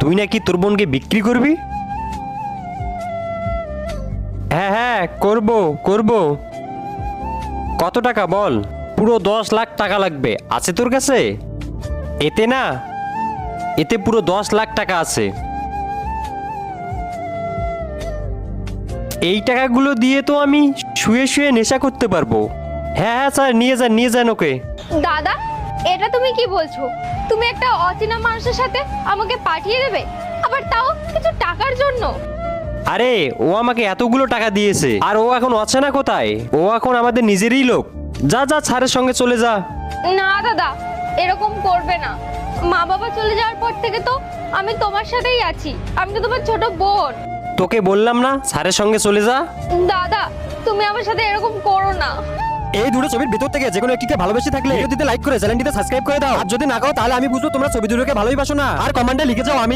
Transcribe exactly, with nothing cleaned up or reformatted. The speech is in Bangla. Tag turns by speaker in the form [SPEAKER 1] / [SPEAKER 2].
[SPEAKER 1] তুই নাকি তোর বোনকে বিক্রি করবি? হ্যাঁ হ্যাঁ করব করব। কত টাকা বল? পুরো দশ লাখ টাকা লাগবে। আছে তোর কাছে? এতে না, এতে পুরো দশ লাখ টাকা আছে। এই টাকাগুলো দিয়ে তো আমি শুয়ে শুয়ে নেশা করতে পারবো। হ্যাঁ হ্যাঁ স্যার, নিয়ে যান নিয়ে যান ওকে।
[SPEAKER 2] দাদা, এটা তুমি কি বলছো? তুমি একটা অচেনা মানুষের সাথে আমাকে পাঠিয়ে দেবে, আবার তাও কিছু টাকার জন্য?
[SPEAKER 1] আরে ও আমাকে এতগুলো টাকা দিয়েছে, আর ও এখন অচেনা কোথায়? ও এখন আমাদের নিজেরই লোক। যা যা, স্যারের সঙ্গে চলে যা।
[SPEAKER 2] না দাদা, এরকম করবে না। মা বাবা চলে যাওয়ার পর থেকে তো আমি তোমার সাথেই আছি। আমি তো তোমার ছোট বোন।
[SPEAKER 1] তোকে বললাম না স্যারের সঙ্গে চলে যা।
[SPEAKER 2] দাদা, তুমি আমার সাথে এরকম করো না।
[SPEAKER 3] এই দুটো ছবির ভিতর থেকে যে কোনো একটিকে ভালোবেসে থাকলে ভিডিওটিতে লাইক করে চ্যানেলটিতে সাবস্ক্রাইব করে দাও। আর যদি না করো তাহলে আমি বুঝবো তোমরা ছবি দুটোকে ভালোই বাসো না। আর কমেন্টে লিখে যাও আমি